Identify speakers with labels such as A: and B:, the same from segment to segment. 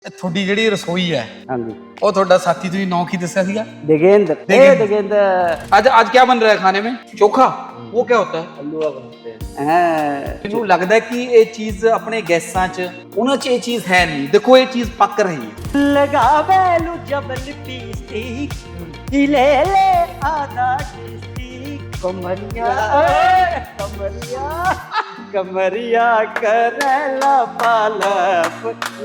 A: ਤੁਹਾਡੀ ਜਿਹੜੀ ਰਸੋਈ ਹੈ
B: हाँ जी
A: ਉਹ ਤੁਹਾਡਾ ਸਾਥੀ ਤੁਸੀਂ ਨਾਂ ਕੀ ਦੱਸਿਆ ਸੀਗਾ
B: देगेंद्र देगेंद्र
A: आज आज क्या बन रहा है खाने में चोखा वो क्या होता है
B: हलवा बनाते हैं हाँ
A: ਮੈਨੂੰ ਲੱਗਦਾ ਹੈ ਕਿ ਇਹ ਚੀਜ਼ ਆਪਣੇ ਗੈਸਾਂ 'ਚ ਉਹਨਾਂ 'ਚ ਇਹ ਚੀਜ਼ ਹੈ ਨਹੀਂ ਦੇਖੋ ਇਹ ਚੀਜ਼ ਪੱਕ ਰਹੀ ਹੈ
B: लगावेलू जबल पीस्टिक हिले ले आधा डिस्टिक कमरिया कमरिया कमरिया करेला पालप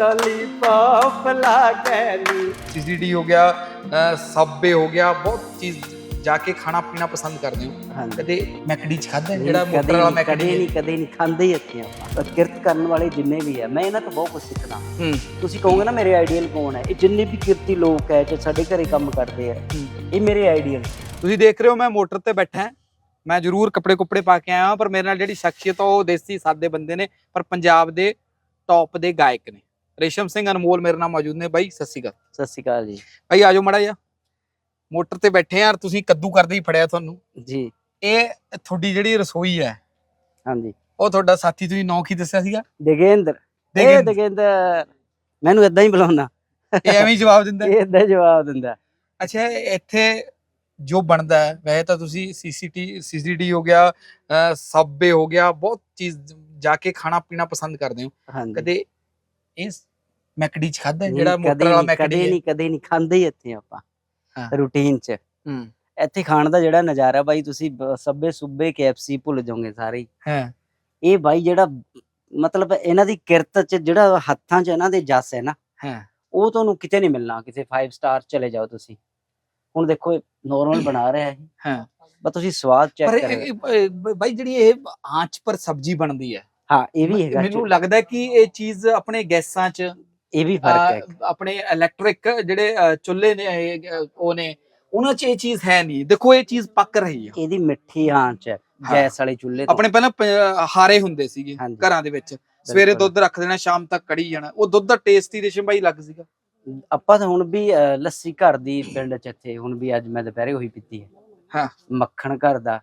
B: लॉलीपॉप लागेलू
A: सीसीडी हो गया सबवे हो गया बहुत चीज जाके खाना पीना पसंद करते हो
B: हाँ
A: कदे मैकडी च खादा ਜਿਹੜਾ ਮੋਟਰ ਵਾਲਾ ਮੈਕਡੀ
B: ਕਦੇ ਨਹੀਂ ਖਾਂਦੇ ਹੀ ਇੱਥੇ ਆਪਾਂ ਕਿਰਤ ਕਰਨ ਵਾਲੇ ਜਿੰਨੇ ਵੀ ਆ ਮੈਂ ਇਹਨਾਂ ਤੋਂ ਬਹੁਤ ਕੁਝ ਸਿੱਖਣਾ ਤੁਸੀਂ ਕਹੋਗੇ ਨਾ ਮੇਰੇ ਆਈਡੀਅਲ ਕੌਣ ਹੈ ਇਹ ਜਿੰਨੇ ਵੀ ਕਿਰਤੀ ਲੋਕ ਹੈ ਜੋ ਸਾਡੇ ਘਰੇ ਕੰਮ ਕਰਦੇ ਆ ਇਹ ਮੇਰੇ ਆਈਡੀਅਲ
A: ਤੁਸੀਂ ਦੇਖ ਰਹੇ ਹੋ ਮੈਂ ਮੋਟਰ ਤੇ ਬੈਠਾ ਹਾਂ ਮੈਂ ਜ਼ਰੂਰ ਕੱਪੜੇ ਕੁੱਪੜੇ ਪਾ ਕੇ ਆਇਆ ਹਾਂ ਪਰ ਮੇਰੇ ਨਾਲ ਜਿਹੜੀ ਸ਼ਖਸੀਅਤ ਉਹ ਦੇਸੀ ਸਾਦੇ ਬੰਦੇ ਨੇ ਪਰ ਪੰਜਾਬ ਦੇ ਟੌਪ ਦੇ ਗਾਇਕ ਨੇ ਰੇਸ਼ਮ ਸਿੰਘ ਅਨਮੋਲ ਮੇਰੇ ਨਾਲ ਮੌਜੂਦ ਨੇ ਬਾਈ ਸਤਿ ਸ਼੍ਰੀ ਅਕਾਲ
B: ਸਤਿ ਸ਼੍ਰੀ ਅਕਾਲ ਜੀ
A: ਭਾਈ ਆਜੋ ਮੜਾ ਜਾ ਮੋਟਰ ਤੇ ਬੈਠੇ ਯਾਰ ਤੁਸੀਂ ਕੱਦੂ ਕਰਦੇ ਹੀ ਫੜਿਆ ਤੁਹਾਨੂੰ
B: ਜੀ
A: ਇਹ ਤੁਹਾਡੀ ਜਿਹੜੀ ਰਸੋਈ ਹੈ
B: ਹਾਂਜੀ
A: ਉਹ ਤੁਹਾਡਾ ਸਾਥੀ ਤੁਸੀਂ ਨਾਂ ਕੀ ਦੱਸਿਆ ਸੀਗਾ
B: ਦੇਗੇਂਦਰ ਦੇਗੇਂਦਰ ਮੈਨੂੰ ਇਦਾਂ ਹੀ ਬੁਲਾਉਂਦਾ
A: ਇਹ ਐਵੇਂ ਹੀ ਜਵਾਬ ਦਿੰਦਾ
B: ਇਹ ਇਦਾਂ ਜਵਾਬ ਦਿੰਦਾ
A: ਅੱਛਾ ਇੱਥੇ ਜੋ ਬਣਦਾ ਹੈ ਵੈਸੇ ਤਾਂ ਤੁਸੀਂ ਸੀਸੀਟੀ ਹੋ ਗਿਆ ਸਬਵੇ ਹੋ ਗਿਆ ਬਹੁਤ ਚੀਜ਼ ਜਾ ਕੇ ਖਾਣਾ ਪੀਣਾ ਪਸੰਦ ਕਰਦੇ ਹੋ
B: ਹਾਂਜੀ
A: ਕਦੇ ਇਹ ਮੈਕਡੀ ਚ ਖਾਦਾ ਜਿਹੜਾ ਮੋਟਰ ਵਾਲਾ ਮੈਕਡੀ
B: ਕਦੇ ਨਹੀਂ ਖਾਂਦੇ ਹੀ ਇੱਥੇ ਆਪਾਂ ਰੂਟੀਨ ਚ
A: ਹੂੰ
B: ਇੱਥੇ ਖਾਣ ਦਾ ਜਿਹੜਾ ਨਜ਼ਾਰਾ ਬਾਈ ਤੁਸੀਂ ਸੱਬੇ ਸੁੱਬੇ KFC ਭੁੱਲ ਜਾਓਗੇ ਸਾਰੇ
A: ਹਾਂ
B: ਇਹ ਬਾਈ ਜਿਹੜਾ ਮਤਲਬ ਇਹਨਾਂ ਦੀ ਕਿਰਤ ਚ ਜਿਹੜਾ ਹੱਥਾਂ ਚ ਇਹਨਾਂ ਦੇ ਜਸ ਹੈ ਨਾ
A: ਹਾਂ
B: ਉਹ ਤੁਹਾਨੂੰ ਕਿਤੇ ਨਹੀਂ ਮਿਲਣਾ ਕਿਸੇ 5 ਸਟਾਰ ਚਲੇ ਜਾਓ ਤੁਸੀਂ ਹੁਣ ਦੇਖੋ ਨਾਰਮਲ ਬਣਾ ਰਿਹਾ ਹੈ
A: ਹਾਂ
B: ਬਸ ਤੁਸੀਂ ਸਵਾਦ ਚੈੱਕ ਕਰੋ
A: ਬਾਈ ਜਿਹੜੀ ਇਹ ਆਂਚ ਪਰ ਸਬਜ਼ੀ ਬਣਦੀ ਹੈ
B: ਹਾਂ ਇਹ ਵੀ ਹੈਗਾ
A: ਮੈਨੂੰ ਲੱਗਦਾ ਕਿ ਇਹ ਚੀਜ਼ ਆਪਣੇ ਗੈਸਾਂ 'ਚ
B: ਇਹ ਵੀ ਫਰਕ ਹੈ
A: ਆਪਣੇ ਇਲੈਕਟ੍ਰਿਕ ਜਿਹੜੇ ਚੁੱਲ੍ਹੇ ਨੇ ਉਹ ਨੇ ਉਹਨਾਂ 'ਚ ਇਹ ਚੀਜ਼ ਹੈ ਨਹੀਂ ਦੇਖੋ ਇਹ ਚੀਜ਼ ਪੱਕ ਰਹੀ ਹੈ
B: ਇਹਦੀ ਮਿੱਠੀ ਆਂਚ ਹੈ ਗੈਸ ਵਾਲੇ ਚੁੱਲ੍ਹੇ
A: ਆਪਣੇ ਪਹਿਲਾਂ ਹਾਰੇ ਹੁੰਦੇ ਸੀਗੇ ਘਰਾਂ ਦੇ ਵਿੱਚ ਸਵੇਰੇ ਦੁੱਧ ਰੱਖ ਦੇਣਾ ਸ਼ਾਮ ਤੱਕ ਕੜੀ ਜਾਣਾ ਉਹ ਦੁੱਧ ਦਾ ਟੇਸਟ ਹੀ ਰੇਸ਼ਮ ਬਾਈ ਲੱਗ ਸੀਗਾ
B: ਆਪਾਂ ਤਾਂ ਹੁਣ ਵੀ ਲੱਸੀ ਘਰ ਦੀ ਪਿੰਡ ਚ ਇੱਥੇ ਹੁਣ ਵੀ ਅੱਜ ਮੈਂ ਦੁਪਹਿਰੇ ਉਹੀ ਪੀਤੀ ਹੈ
A: ਹਾਂ
B: ਮੱਖਣ ਘਰ ਦਾ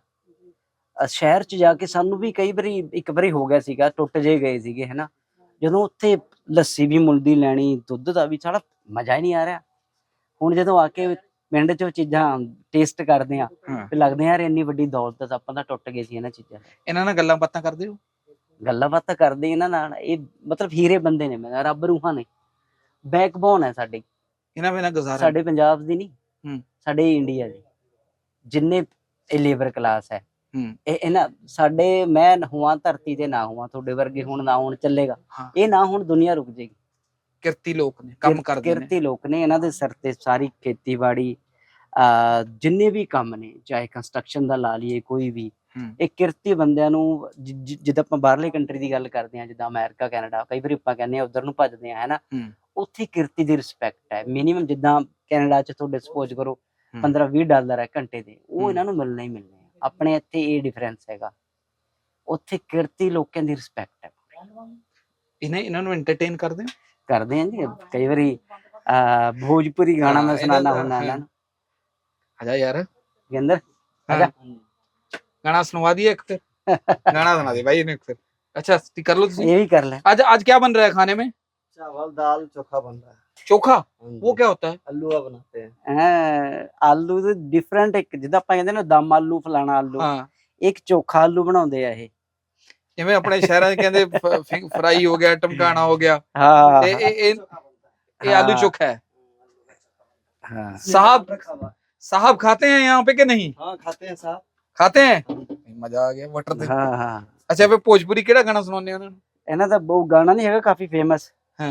B: ਸ਼ਹਿਰ ਚ ਜਾ ਕੇ ਸਾਨੂੰ ਵੀ ਕਈ ਵਾਰੀ ਇੱਕ ਵਾਰੀ ਹੋ ਗਿਆ ਸੀਗਾ ਟੁੱਟ ਜੇ ਗਏ ਸੀਗੇ ਹਨਾ ਜਦੋਂ ਉੱਥੇ ਲੱਸੀ ਵੀ ਮੁੱਲ ਦੀ ਲੈਣੀ ਦੁੱਧ ਦਾ ਵੀ ਸਾਡਾ ਮਜ਼ਾ ਹੀ ਨਹੀਂ ਆ ਰਿਹਾ ਹੁਣ ਜਦੋਂ ਆ ਕੇ ਪਿੰਡ ਚ ਚੀਜ਼ਾਂ ਟੇਸਟ ਕਰਦੇ ਆ ਤੇ ਲੱਗਦੇ ਯਾਰ ਇੰਨੀ ਵੱਡੀ ਦੌਲਤ ਆਪਾਂ ਤਾਂ ਟੁੱਟ ਗਏ ਸੀ ਇਹਨਾਂ ਚੀਜ਼ਾਂ
A: ਇਹਨਾਂ ਨਾਲ ਗੱਲਾਂ ਬਾਤਾਂ ਕਰਦੇ ਹੋ
B: ਗੱਲਾਂ ਬਾਤਾਂ ਕਰਦੇ ਇਹਨਾਂ ਨਾਲ ਇਹ ਮਤਲਬ ਹੀਰੇ ਬੰਦੇ ਨੇ ਮੈਂ ਰੱਬ ਰੂਹਾਂ ਨੇ ਬੈਕਬੋਨ ਹੈ ਸਾਡੀ
A: ਇਹਨਾਂ ਬਿਨਾਂ ਗੁਜ਼ਾਰਾ
B: ਸਾਡੇ ਪੰਜਾਬ ਦੀ ਨਹੀਂ ਸਾਡੇ ਇੰਡੀਆ ਦੀ ਜਿੰਨੇ ਇਹ ਲੇਬਰ ਕਲਾਸ ਹੈ ਇਹ ਇਹਨਾਂ ਸਾਡੇ ਮੈਂ ਹੋਵਾਂ ਧਰਤੀ ਤੇ ਨਾ ਹੋਵਾਂ ਤੁਹਾਡੇ ਵਰਗੇ ਹੁਣ ਨਾ ਹੋਣ ਚੱਲੇਗਾ ਇਹ ਨਾ ਹੁਣ ਦੁਨੀਆ ਰੁਕ ਜਾਏਗੀ
A: ਕਿਰਤੀ ਲੋਕ ਨੇ ਕੰਮ ਕਰਦੇ ਨੇ
B: ਕਿਰਤੀ ਲੋਕ ਨੇ ਇਹਨਾਂ ਦੇ ਸਿਰ ਤੇ ਸਾਰੀ ਖੇਤੀਬਾੜੀ ਜਿੰਨੇ ਵੀ ਕੰਮ ਨੇ ਚਾਹੇ ਕੰਸਟਰਕਸ਼ਨ ਦਾ ਲਾ ਲਈਏ ਕੋਈ ਵੀ ਇਹ ਕਿਰਤੀ ਬੰਦਿਆਂ ਨੂੰ ਜਿੱਦਾਂ ਆਪਾਂ ਬਾਹਰਲੇ ਕੰਟਰੀ ਦੀ ਗੱਲ ਕਰਦੇ ਹਾਂ ਜਿੱਦਾਂ ਅਮਰੀਕਾ ਕੈਨੇਡਾ ਕਈ ਵਾਰੀ ਆਪਾਂ ਕਹਿੰਦੇ ਆ ਉਧਰ ਨੂੰ ਭੱਜਦੇ ਆ ਹੈਨਾ ਉੱਥੇ ਕਿਰਤੀ ਦੀ ਰਿਸਪੈਕਟ ਹੈ ਮਿਨੀਮਮ ਜਿੱਦਾਂ ਕੈਨੇਡਾ ਚ ਤੁਹਾਡੇ ਸਪੋਜ਼ ਕਰੋ $15-20 ਹੈ ਘੰਟੇ ਦੇ ਉਹ ਇਹਨਾਂ ਨੂੰ ਮਿਲਣਾ ਹੀ ਮਿਲਣਾ ਆਪਣੇ ਇੱਥੇ ਇਹ ਡਿਫਰੈਂਸ ਹੈਗਾ ਉੱਥੇ ਕਿਰਤੀ ਲੋਕਾਂ ਦੀ ਰਿਸਪੈਕਟ ਹੈ
A: ਇਹਨਾਂ ਨੂੰ ਐਂਟਰਟੇਨ ਕਰਦੇ
B: ਆ ਜੀ ਕਈ ਵਾਰੀ ਭੋਜਪੁਰੀ ਗਾਣਾ ਮੈਂ ਸੁਣਾਣਾ ਹੁੰਦਾ ਇਹਨਾਂ ਨੂੰ
A: ਆਜਾ ਯਾਰ
B: ਗੇਂਦਰ ਆਜਾ
A: गाना सुनवा दिया एक फिर गाना सुना दे भाई ने फिर अच्छा कर लो
B: ये भी कर ले
A: आज क्या बन रहा है खाने में
C: चावल दाल चोखा बन रहा है
A: चोखा वो क्या होता है
C: हलवा बनाते हैं
B: आलू तो डिफरेंट एक जिदा ਆਪਾਂ ਕਹਿੰਦੇ ਨਾ ਦਮ ਆਲੂ ਫਲਾਣਾ ਆਲੂ ਇੱਕ ਚੋਖਾ ਆਲੂ ਬਣਾਉਂਦੇ ਆ ਇਹ
A: ਜਿਵੇਂ ਆਪਣੇ ਸ਼ਹਿਰਾਂ 'ਚ ਕਹਿੰਦੇ ਫਰਾਈ ਹੋ ਗਿਆ ਟਮਕਾਣਾ ਹੋ ਗਿਆ
B: ਹਾਂ
A: ਤੇ ਇਹ आलू चोखा है
B: हाँ
A: साहब खाते हैं यहाँ पे कि नहीं
C: हाँ खाते हैं साहब
A: खाते हैं मजा आ गया मटर ते
B: हाँ हाँ
A: अच्छा फिर भोजपुरी केड़ा गाना सुनाने उन्होंने
B: ਇਹਨਾਂ ਦਾ ਬਹੁਤ ਗਾਣਾ ਨਹੀਂ ਹੈਗਾ ਕਾਫੀ ਫੇਮਸ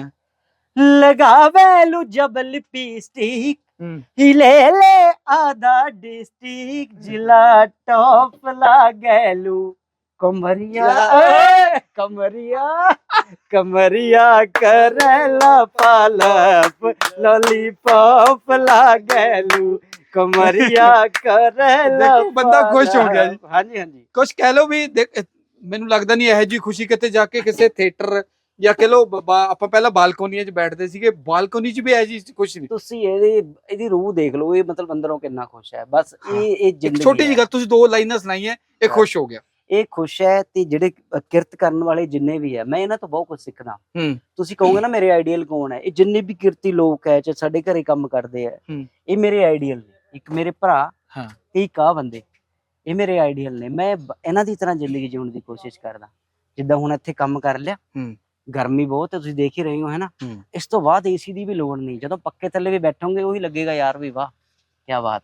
B: लगावेलू जबल पीस्टिक हिले ले आधा डिस्ट्रिक्ट जिला टॉप लागेलू कमरिया कमरिया कमरिया करेला पालप लॉलीपॉप लागेलू कमरिया करेला
A: बंदा खुश हो गया जी
B: हाँ जी हाँ जी
A: कुछ कह लो भी ਮੈਨੂੰ ਲੱਗਦਾ ਨਹੀਂ ਇਹੋ ਜੀ ਖੁਸ਼ੀ ਕਿਤੇ ਜਾ ਕੇ ਕਿਸੇ ਥੀਏਟਰ ਜਾਂ ਕਹ ਲੋ ਆਪਾਂ ਪਹਿਲਾਂ ਬਾਲਕੋਨੀਆਂ 'ਚ ਬੈਠਦੇ ਸੀਗੇ ਬਾਲਕੋਨੀ 'ਚ ਵੀ ਇਹੋ ਜੀ ਕੁਛ ਨਹੀਂ
B: ਤੁਸੀਂ ਇਹਦੀ ਰੂਹ ਦੇਖ ਲਓ ਇਹ ਮਤਲਬ ਅੰਦਰੋਂ ਕਿੰਨਾ ਖੁਸ਼ ਹੈ ਬਸ ਇਹ ਜ਼ਿੰਦਗੀ
A: ਛੋਟੀ ਜਿਹੀ ਗੱਲ ਤੁਸੀਂ 2 ਲਾਈਨਾਂ ਸੁਣਾਈਆਂ ਇਹ ਖੁਸ਼ ਹੋ ਗਿਆ
B: ਇਹ ਖੁਸ਼ ਹੈ ਤੇ ਜਿਹੜੇ ਕਿਰਤ ਕਰਨ ਵਾਲੇ ਜਿੰਨੇ ਵੀ ਹੈ, ਮੈਂ ਇਹਨਾਂ ਤੋਂ ਬਹੁਤ ਕੁਝ ਸਿੱਖਦਾ।
A: ਹੂੰ
B: ਤੁਸੀਂ ਕਹੋਗੇ ਨਾ ਮੇਰੇ ਆਈਡੀਅਲ ਕੌਣ ਹੈ, ਇਹ ਜਿੰਨੇ ਵੀ ਕਿਰਤੀ ਲੋਕ ਹੈ ਚਾਹੇ ਸਾਡੇ ਘਰੇ ਕੰਮ ਕਰਦੇ ਆ,
A: ਹੂੰ।
B: ਇਹ ਮੇਰੇ ਆਈਡੀਅਲ ਨੇ। ਇੱਕ ਮੇਰੇ ਭਰਾ
A: ਹਾਂ।
B: ਤੇ ਇੱਕ ਆਹ ਬੰਦੇ, ਇਹ ਮੇਰੇ ਆਈਡੀਅਲ ਨੇ। ਮੈਂ ਇਹਨਾਂ ਦੀ ਤਰ੍ਹਾਂ ਜ਼ਿੰਦਗੀ ਜਿਉਣ ਦੀ ਕੋਸ਼ਿਸ਼ ਕਰਦਾ। ਜਿੱਦਾਂ ਹੁਣ ਇੱਥੇ ਕੰਮ ਕਰ ਲਿਆ,
A: ਹੂੰ।
B: ਗਰਮੀ ਬਹੁਤ ਹੈ ਤੁਸੀਂ ਦੇਖ ਹੀ ਰਹੇ ਹੋ, ਹੈ ਨਾ।
A: ਹੂੰ।
B: ਇਸ ਤੋਂ ਬਾਅਦ ਏਸੀ ਦੀ ਵੀ ਲੋੜ ਨਹੀਂ, ਜਦੋਂ ਪੱਕੇ ਥੱਲੇ ਵੀ ਬੈਠੋਗੇ ਉਹੀ ਲੱਗੇਗਾ ਯਾਰ ਵੀ ਵਾਹ ਕਿਆ ਬਾਤ